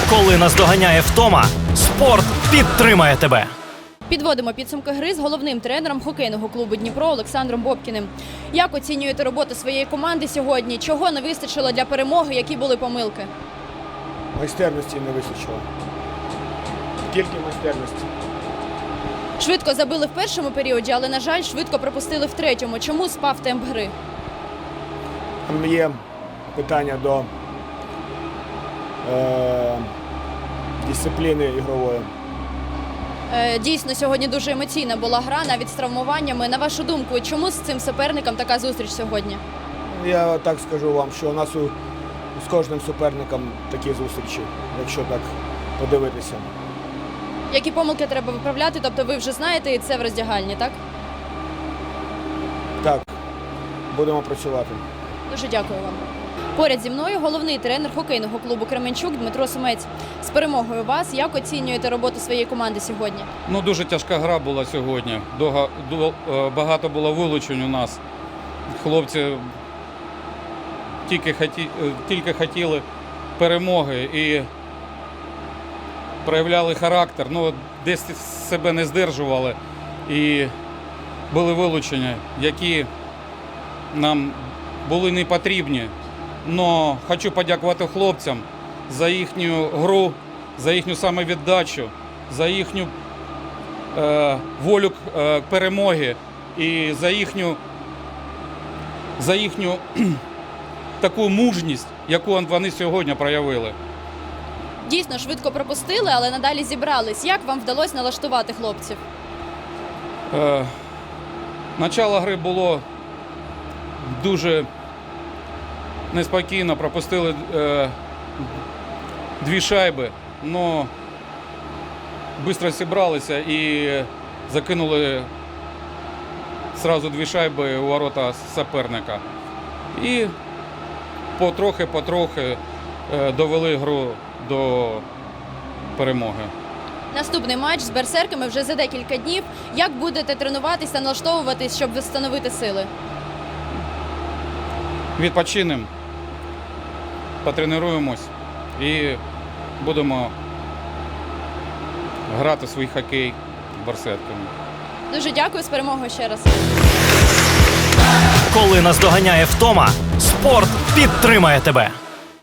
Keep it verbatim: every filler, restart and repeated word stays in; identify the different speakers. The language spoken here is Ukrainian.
Speaker 1: Коли наздоганяє втома, спорт підтримає тебе.
Speaker 2: Підводимо підсумки гри з головним тренером хокейного клубу «Дніпро» Олександром Бобкіним. Як оцінюєте роботу своєї команди сьогодні? Чого не вистачило для перемоги? Які були помилки?
Speaker 3: Майстерності не вистачило. Тільки майстерності.
Speaker 2: Швидко забили в першому періоді, але, на жаль, швидко пропустили в третьому. Чому спав темп гри?
Speaker 3: Там є питання до е, дисципліни ігрової.
Speaker 2: Е, Дійсно, сьогодні дуже емоційна була гра, навіть з травмуваннями. На вашу думку, чому з цим суперником така зустріч сьогодні?
Speaker 3: Я так скажу вам, що у нас у, з кожним суперником такі зустрічі, якщо так подивитися.
Speaker 2: Які помилки треба виправляти? Тобто ви вже знаєте, і це в роздягальні, так?
Speaker 3: Так, будемо працювати.
Speaker 2: Дуже дякую вам. Поряд зі мною головний тренер хокейного клубу «Кременчук» Дмитро Сумець. З перемогою вас, як оцінюєте роботу своєї команди сьогодні?
Speaker 4: Ну, дуже тяжка гра була сьогодні. Дога, до, е, багато було вилучень у нас. Хлопці тільки, хаті, е, тільки хотіли перемоги і проявляли характер. Ну, десь себе не здержували. І були вилучення, які нам були не потрібні. Но хочу подякувати хлопцям за їхню гру, за їхню самовіддачу, за їхню е, волю е, перемоги і за їхню, за їхню таку мужність, яку вони сьогодні проявили.
Speaker 2: Дійсно, швидко пропустили, але надалі зібрались. Як вам вдалося налаштувати хлопців?
Speaker 4: Е, начало гри було дуже неспокійно, пропустили е, дві шайби, але швидко зібралися і закинули одразу дві шайби у ворота суперника. І потрохи-потрохи е, довели гру до перемоги.
Speaker 2: Наступний матч з берсерками вже за декілька днів. Як будете тренуватися, налаштовуватись, щоб встановити сили?
Speaker 4: Відпочинемо, потренуємось і будемо грати свій хокей берсерками.
Speaker 2: Дуже дякую, з перемогою ще раз.
Speaker 1: Коли наздоганяє втома, спорт підтримає тебе.